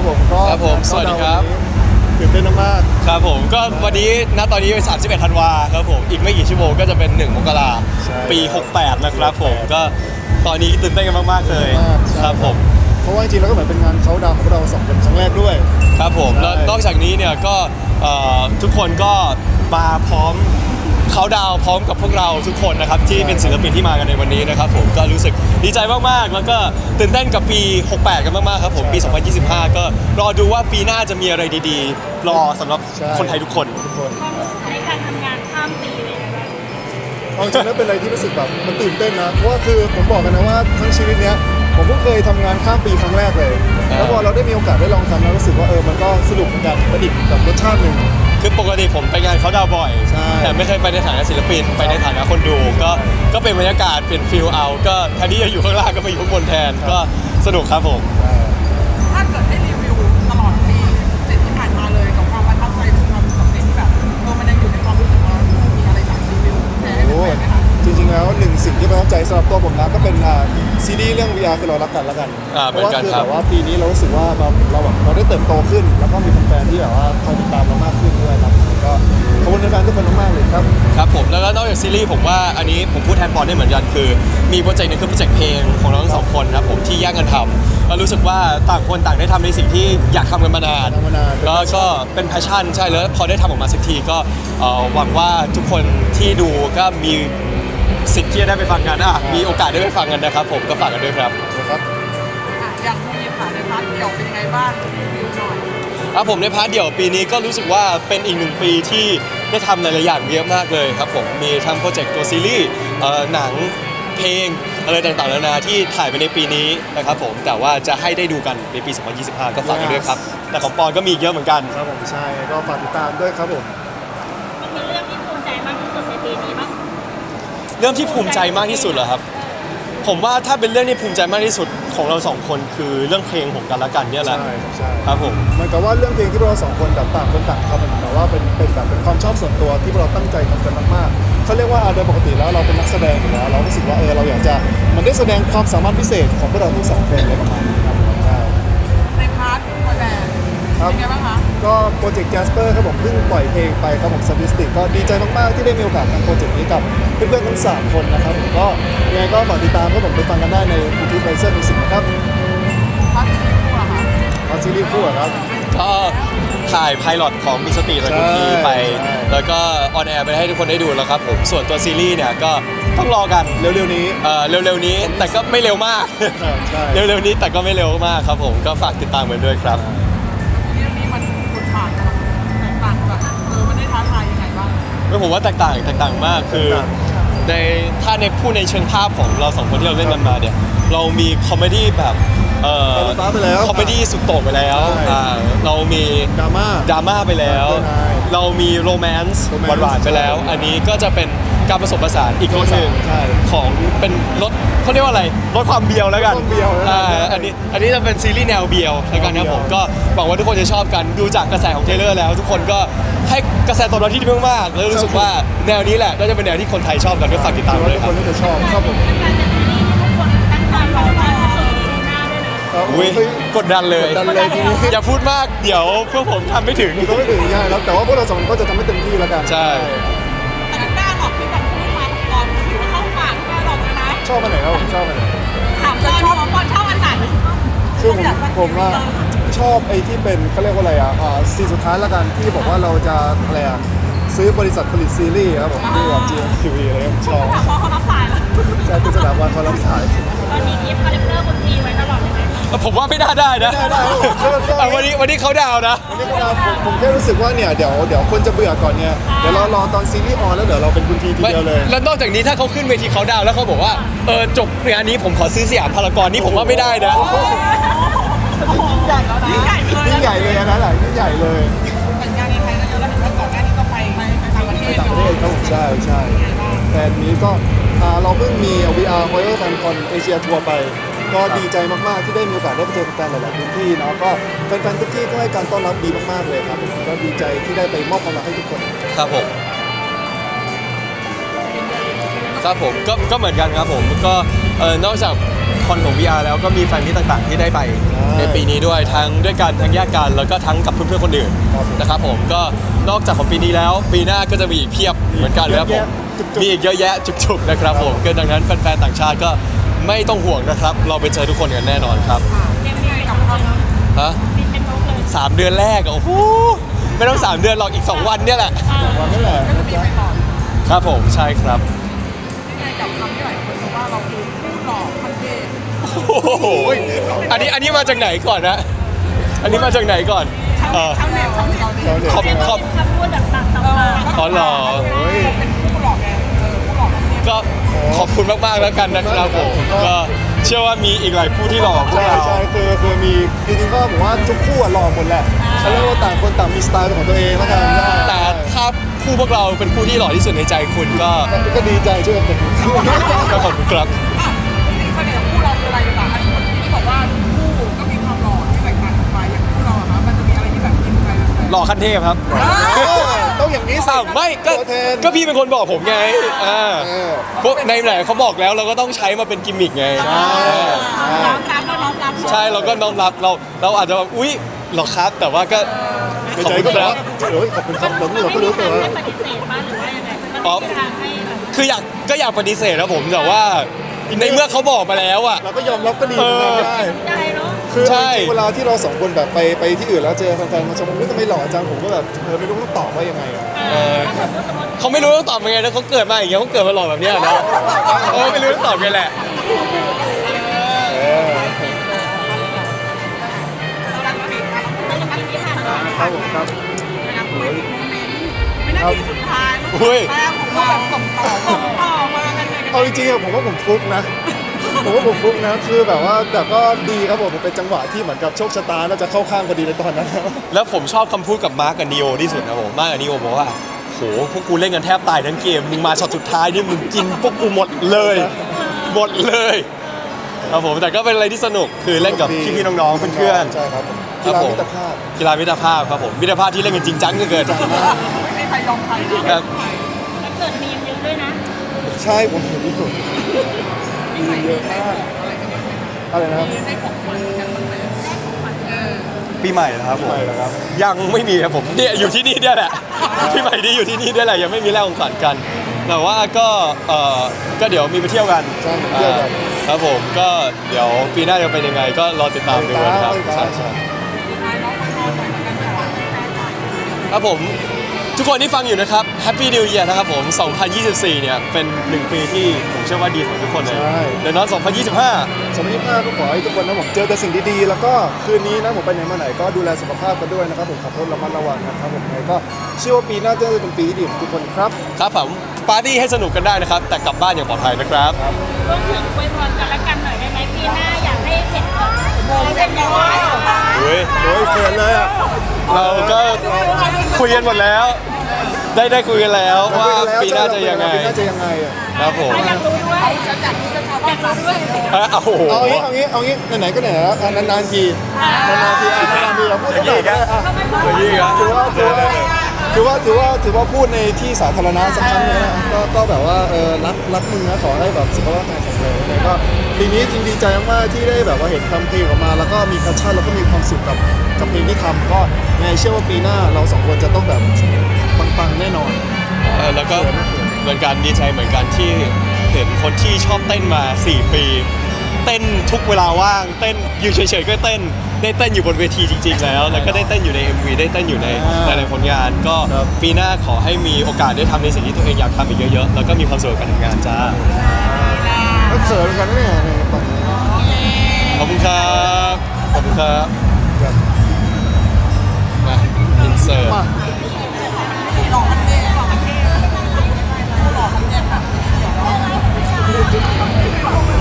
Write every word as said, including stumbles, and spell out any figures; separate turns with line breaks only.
ผมก็
ครับผมสวัสดีครับ
ตื่นเต้นมาก
ครับผมก็วันนี้ณตอนนี้เป็นสามสิบเอ็ดธันวาครับผมอีกไม่กี่ชั่วโมงก็จะเป็นหนึ่งมกราปีหกแปดนะครับผมก็ตอนนี้ตื่นเต้นกันมากๆเลยครับผม
เพราะว่าจริงๆแล้วก็เหมือนเป็นงานเขาดาวของเราสองคนครั้งแรกด้วย
ครับผมแล้วนอกจากนี้เนี่ยก็ทุกคนก็มาพร้อมเขาดาวพร้อมกับพวกเราทุกคนนะครับที่เป็นศิลปินที่มากันในวันนี้นะครับผมก็รู้สึกดีใจมากๆแล้วก็ตื่นเต้นกับปีหกแปดกันมากๆครับผมปีสองพันยี่สิบห้าก็รอดูว่าปีหน้าจะมีอะไรดีๆรอสำหรับคนไทยทุกคน
ทุกคน
ในการทำงานข้ามปีเลยนะ
เอาจริงแล้วเป็นอะไรที่รู้สึกแบบมันตื่นเต้นนะเพราะว่าคือผมบอกกันนะว่าทั้งชีวิตเนี้ยผมเพิ่งเคยทำงานข้ามปีครั้งแรกเลยแล้วพอเราได้มีโอกาสได้ลองทำแล้วรู้สึกว่าเออมันก็สนุกเหมือนกันประดิษฐ์กับรสชาติหนึ่ง
คือปกติผมไปงานเขาดาวบ่อยแต่ไม่เคยไปในฐานะศิลปินไปในฐานะคนดูก็ก็เป็นบรรยากาศเป็นฟิลเอาก็แทนที่จะอยู่ข้างล่างก็ไปอยู่ข้างบนแทนก็สนุกครับผม
ถ้าเกิดให้รีวิวตลอดปีเจ็ดที่ผ่านมาเลยกับความประทับใจหรือความสำเร็จที่แบบเออมันยังอยู่ในความรู้สึกเรามีอะไรจากรีวิวแชร์ให้เป็นไหมคะ
จริงๆแล้วหนึ่งสิ่งที่ประทับใจสำหรับตัวผมนะก็เป็นซีรีส์เรื่อง วี อาร์ คือเรารักกันแล้วกันเพราะว่าคือแบบว่าปีนี้เรารู้สึกว่าเราเราแบบเราได้เติบโตขึ้นแล้วก็มีแฟนๆที่แบบว่าคอยติดตามเรามากขึ้นด้วยครับก็ขอบคุณแฟนๆทุกคนมากๆเลยครับ
ครับผมแล้วก็นอกจากซีรีส์ผมว่าอันนี้ผมพูดแทนปอนได้เหมือนกันคือมีโปรเจกต์นึงคือโปรเจกต์เพลงของเราทั้งสองคนครับผมที่แยกกันทำแล้วรู้สึกว่าต่างคนต่างได้ทำในสิ่งที่อยากทำกันมานานแล้วก็เป็นแพชชั่นใช่แล้วพอได้ทำออกมาสักทีก็หวังว่าทุกคนที่ดูก็มีสิทธิ์ที่จะได้ไปฟังกันอ่ะมีโอกาสได้ไปฟังกันนะครับผมก็ฝากกันด้วยครับ
ครับ
อย่างมีผ่านในพาร์ทเดี่ยวเป็นยังไงบ้างรีวิวหน่อย
ครับผมในพาร์ทเดี่ยวปีนี้ก็รู้สึกว่าเป็นอีกหนึ่งปีที่ได้ทำหลายๆอย่างเยอะมากเลยครับผมมีทำโปรเจกต์ตัวซีรีส์หนังเพลงอะไรต่างๆนานาที่ถ่ายไปในปีนี้นะครับผมแต่ว่าจะให้ได้ดูกันในปีสองพันยี่สิบห้าก็ฝากกันด้วยครับแต่ของปอนก็มีเยอะเหมือนกัน
ครับผมใช่ก็ฝากติดตามด้วยครับผม
มีเรื่องที่ภูมิใจมากที่สุดในปีนี้บ้าง
เรื่องที่ภูมิใจมากที่สุดเหรอครับผมว่าถ้าเป็นเรื่องที่ภูมิใจมากที่สุดของเราสองคนคือเรื่องเพลงของกันและกันเนี่ยแหละ
ใช่ใช่
ครับผม
มันก็ว่าเรื่องเพลงที่เราสองคนแบบต่างคนต่างทำมันแต่ว่าเป็นเป็นแบบเป็นความชอบส่วนตัวที่เราตั้งใจทำกันมากๆเขาเรียกว่าโดยปกติแล้วเราเป็นนักแสดงอยู่แล้วเรารู้สึกว่าเออเราอยากจะมันได้แสดงความสามารถพิเศษของพวกเราทั้งสองคนเลยประมาณนี้ครับ
ในพาร์ทคอนแดนเป็นไงบ้างคะ
ก็โปรเจกต์แจสเปอร์ครับผมเพิ่งปล่อยเพลงไปครับผมสถิติก็ดีใจมากๆที่ได้มีโอกาสทำโปรเจกต์นี้กับเพื่อนๆทั้งสามคนนะครับผมก็ยังไงก็ฝากติดตามครับผมไปฟังกันได้ใน YouTube Riser Music นะครับ
พาร์ทซีรีส์คู่อะคะ
พาร์ทซีรีส์คู่ครับ
ก็ถ่ายไพลอตของมิสติและคุณทีไปแล้วก็ออนแอร์ไปให้ทุกคนได้ดูแล้วครับผมส่วนตัวซีรีส์เนี่ยก็ต้องรอกัน
เร็วๆนี้
เออเร็วๆนี้แต่ก็ไม่เร็วมากเร็วๆนี้แต่ก็ไม่เร็วมากครับผมก็ฝากติดตามกันด้วยครับ
เรื่องนี้มันคุณผ่านแตกต่างจากเออมันได้ท้าทายยังไงบ้าง
ไม่ผมว่าแตกต่างแตกต่างมากคือในถ้าในพูดในเชิงภาพของเราสองคนที่เราเล่นกันมาเนี่ยเรามีคอมเมดี้แบบเอ่อคอมเมดี้สุดโต่งไปแล้วเรามี
ดราม่า
ดราม่าไปแล้วเรามีโรแมนต์หวานๆไปแล้วอันนี้ก็จะเป็นการผสมผสานอีกรสหนึ่งของเป็นรสเขาเรียกว่าอะไรรสความเบียวแล้วกันอ่าอันนี้อันนี้จะเป็นซีรีส์แนวเบียวแล้วกันนะผมก็หวังว่าทุกคนจะชอบกันดูจากกระแสของเทเลอร์แล้วทุกคนก็ให้กระแสตอบรับที่ดีมากๆแล้วรู้สึกว่าแนวนี้แหละน่าจะเป็นแนวที่คนไทยชอบกันก็ฝากติดตามเลยครับ
ทุกคนจะชอบครับผม
อุ้ยกดดันเลยอย่าพูดมากเดี๋ยวพวกผมทำไม่ถึง
ก็ไม่ถึงใช่แล้วแต่ว่าพวกเราสองคนก็จะทำให้เต็มที่แล้วกัน
ใช่
แต่กล้าหลอกที่แบบพูดมาก่อนถือว่าเข้าปากกล้าหลอกเลยนะ
ชอบอันไหนครับผมชอบอันไหน
ถามจะชอบก่อนชอบอันไหน
คือผมผมว่าชอบไอ้ที่เป็นเขาเรียกว่าอะไรอ่ะซีสุดท้ายแล้วกันที่บอกว่าเราจะอะไรอ่ะซื้อบริษัทผลิตซีรีส์ครับผมที่แบบ จี เอ็ม ที วี อะไรผมชอบ
แต่พอเขารับสายแล้ว
ใช่คือสถาบันเขารับสาย
ตอนนี้กิฟต์คาแรคเตอร์คนทีไว้ตลอดเลยไหม
ผมว่าไม่น่าได้นะวันนี้วันนี้เขาดาวนะ
วันนี้เขาดาวผมแค่รู้สึกว่าเนี่ยเดี๋ยวเดี๋ยวคนจะเบื่อก่อนเนี่ยเดี๋ยวเรารอตอนซีรีส์ออนแล้วเดี๋ยวเราเป็นคุณทีทีเดียวเลย
แล้วนอกจากนี้ถ้าเขาขึ้นเวทีเขาดาวแล้วเขาบอกว่าเออจบงานนี้ผมขอซื้อสยามพารากอนนี่ผมว่าไม่ได้นะ
ยิ่งใหญ่เลย
ยิ่งใหญ่เลยนะหละยิ่งใหญ่เลย
แต่งานในไทยก็เยอะแล้วถึงว่าก่อนหน้านี้ก็ไปไปต่างประเทศ
ต่างประเทศครับผมใช่ใช่แฟนนี้ก็เราเพิ่งมี วี อาร์ Royal Fan Con Asia Tour ไปก็ดีใจมากๆที่ได้มีโอกาสได้ไปเจอแฟนหลายๆพื้นที่เนาะก็แฟนๆทุกที่ก็ให้การต้อนรับดีมากๆเลยครับก็ดีใจที่ได้ไปมอบความรักให้ทุกคน
ครับผมครับผมก็ก็เหมือนกันครับผมก็เออนอกจากคอนของ วี อาร์ แล้วก็มีแฟนมิตต่างๆที่ได้ไปในปีนี้ด้วยทั้งด้วยกันทั้งแยกกันแล้วก็ทั้งกับเพื่อนๆคนอื่นนะครับผมก็นอกจากของปีนี้แล้วปีหน้าก็จะมีอีกเพียบเหมือนกันนะครับผมมีอีกเยอะแยะจุกๆนะครับผมก็ดังนั้นแฟนๆต่างชาติก็ไม่ต้องห่วงนะครับเราไปเจอทุกคนกันแน่นอนครับ
เตรียมยังไงกับเขา
ฮะ
บินเป็นนกเลย
สามเดือนแรกอะโอ้โหไม่ต้องสามเดือนหรอกอีกสองวันเนี่ยแหละ
วันนี้แหละ
ก็จะมีไปต่อ
ครับผมใช่ครับ
ยังไงกับคำที่หลายคนบอกว่าเราคือผู้หล่อพันเทพ
โอ้โหอันนี้อันนี้มาจากไหนก่อนนะอันนี้มาจากไหนก่อนเออ
ชาวเน็ตชาวเน็ต
เราเนี่ย
ขอบ
เป็น
ขอบ
คำพูดแบบต่างๆมา
อ๋อเหรอ
เป็นผู้หล่อไงเออผู้หล่อพันเทพ
ก็ขอบคุณมากๆแล้วกันนะครับผมก็เชื่อว่ามีอีกหลายผู้ที่หล่อกว่าพวก
ใช่
เรา
ใช่คือคือมีจริงๆก็ผมว่าทุกคู่อะหล่อหมดแหละแล้วเราต่างคนต่างมีสไตล์เป็นของตัวเองแล้วกัน
แต่ถ้าคู่พวกเราเป็นคู่ที่หล่อที่สุดในใจคุณก็
ก็ดีใจช่วยกัน
ก็ขอบคุณครับ
อ่ะจริงๆประเด็นของคู่เราคืออะไรดีกว่าอันนี้ที่บอกว่าคู่ก็มีความหล่อที่แตกต่างกันไปอย่างคู่เราอะคะมันจะมีอะไรที่แบบกินใจแบบ
หล่อขั้นเทพครับ
ต้องอย่างนี้สิ
อ้าวไม่ก็
ตัวแทน
ก็พี่เป็นคนบอกผมไงอ่า
เออ
พวกในไหนเขาบอกแล้วเราก็ต้องใช้มาเป็นกิมมิกไง
น้อมรับแล้วน้อมรับ
ใช่เราก็น้อมรับเราเราอาจจะแบบอุ๊ยเหรอครับ แต่ว่าก็
ใน
ขอบ
ใจ
คุณ
ก็
ค
แบ
รั
บบ เฮ้ยขอบคุณครับเราเราก็รู้ตัว
ไม่ปฏิเสธป่ะหรือว่ายังไงมันมีทางให้แบบ
คืออยากก็อยากปฏิเสธนะผมแต่ว่าในเมื่อเขาบอกมาแล้วอ่ะ
เราก็ยอมรับก็ดีเหมือนกันได้
ได้เนาะ
คือ
ใช่
จริงๆเวลาที่เราสองคนแบบไปไปที่อื่นแล้วเจอแฟนๆมาชมว่าทำไมหล่อจังผมก็แบบเออไม่รู้ต้องตอบว่ายังไงอะ
เออเขาไม่รู้ต้องตอบยังไงแล้วเขาเกิดมาอย่างเงี้ยเขาเกิดมาหล่อแบบเนี้ยนะเออไม่รู้ต้องตอบยังไงแหละ
เออ
รักปิดนะ
แต่ยังปีที่ผ่านมา
ครับผมครับ
รักปิดโมเมนต์วินาทีสุดท้าย
อุ้ย
แม่ผมก็แบบส่งต่อส่งต่อมากันเลย
เอาจริงๆอะผมว่าผมฟลุกนะ ผมว่าผมฟลุกนะคือแบบว่าแต่ก็ดีครับผมมันเป็นจังหวะที่เหมือนกับโชคชะตาน่าจะเข้าข้างพอดีในตอนนั้นแล้ว
แล้วผมชอบคำพูดกับมาร์กกับนีโอที่สุดนะผมมาร์กกับนีโอบอกว่าโหพวกกูเล่นกันแทบตายทั้งเกมมึงมาช็อตสุดท้ายนี่มึงกินพวกกูหมดเลยหมดเลยครับผมแต่ก็เป็นอะไรที่สนุกคือเล่นกับพี่ๆน้องๆเพื่อนๆ
ใช่ครับผม
ครั
กี
บ
ฬา
ผม
มิตรภาพ
กีฬามิตรภาพครับผมมิตรภาพที่เล่นกันจริงจังเหลือเกิน
ไม่มีใครยอมใครนะ
ครับ
แล้วเกิดมีมเยอะด้วยนะ
ใช่ผมเห็นอยู่มีเยอะมากอะไรนะครับ
มีให้ของขวัญกันบ้างไหมได้ของขวัญเออ
ปีใหม่นะครับผม
ไม่แล้วครับ
ยังไม่มีครับผมเนี่ยอยู่ที่นี่เนี่ยแหละปีใหม่นี่อยู่ที่นี่เนี่ยแหละยังไม่มีแลกของขวัญกัน แต่ว่าก็เออก็เดี๋ยวมีไปเที่ยวกัน
ใช่ไปเที่ยวกัน
อ่าครับผมก็เดี๋ยวปีหน้าจะเป็นยังไง ก็รอติดตามดูนะครับ
ติดตาม
ใช่ใช่
สุดท้ายน้องขอโทษหน่อยแล้วกันแต่ว่าไม่ได้หน่อย
ครับผมทุกคนที่ฟังอยู่นะครับ Happy New Year นะครับผม สองพันยี่สิบสี่ เนี่ยเป็นหนึ่งปีที่ผมเชื่อว่าดีสำหรับทุกคนเลย
ใช่
เดี๋ยวน้องสองพันยี่สิบห้า
สองพันยี่สิบห้าก็ขอให้ทุกคนนะผมเจอแต่สิ่งดีๆ แล้วก็คืนนี้นะผมไปไหนมาไหนก็ดูแลสุขภาพกันด้วยนะครับผมขับรถระมัดระวังนะครับผมยังไงก็เชื่อว่าปีหน้าจะเป็นปีที่ดีของทุกคนครับ
ครับผมปาร์ตี้ให้สนุกกันได้นะครับ แต่กลับบ้านอย่างปลอดภัยนะครับ
รวมถึงอวยพรกันและกันหน่อยได้ไหมปีหน้าอยากให้เห็นแบบโมเป็นยังไง
เฮ้ย
โอ้ยเขินเลยอ่ะ
เราก็คุยกันหมดแล้ว ได้ได้คุยกันแล้วว่าปีหน้าจะยังไง
ปีหน้าจะยังไงอ่ะ
ครับผม
อยากรู้ด้วย
จะจัดที่จะชาวบ้านเราด้วย
ฮะโอ้โห
เอางี้เอางี้เอางี้ไหนๆก็ไหนแล้วอ่ะนานๆทีนานๆทีอ่ะนานๆทีเราพูดสักหน่อยก็ได้อ่ะ
อย่างนี้ครับ
ถือว่าถือว่าถือว่าถือว่าถือว่าพูดในที่สาธารณะสักครั้งหนึงนะก็ก็แบบว่าเออรักรักมึงนะขอให้แบบสุขภาพแข็งแรงยังไงก็ปีนี้จริงดีใจมากๆที่ได้แบบว่าเห็นทำเพลงออกมา แล้วก็มีแพชชั่นแล้วก็มีความสุขกับกับเพลงที่ทำก็ยังไงเชื่อว่าปีหน้าเราสองคนจะต้องแบบปังๆแน่นอน
เออแล้วก็เหมือนกันดีใจเหมือนกันที่เห็นคนที่ชอบเต้นมาสี่ปี เต้นทุกเวลาว่างเต้นอยู่เฉยๆก็เต้นได้เต้นอยู่บนเวทีจริงๆแล้ว แล้วก็ได้เต้นอยู่ใน เอ็ม วี ได้เต้นอยู่ในหลายๆผลงาน ก็
ครับ
ปีหน้าขอให้มีโอกาสได้ทำในสิ่งที่ตัวเองอยากทำอีกเยอะๆแล้วก็มีความสุขกับการทำงานจ้า
ก็เขินเหมือนกันนะเนี่ยเนี่ยปังเนี่ย
ขอบคุณครับขอบคุณครับ
ครับ
มาอินเสิร์ต
มา
หล่อพันเทพหล่อพันเทพหล่อพันเทพแบบเดี๋ยวเรา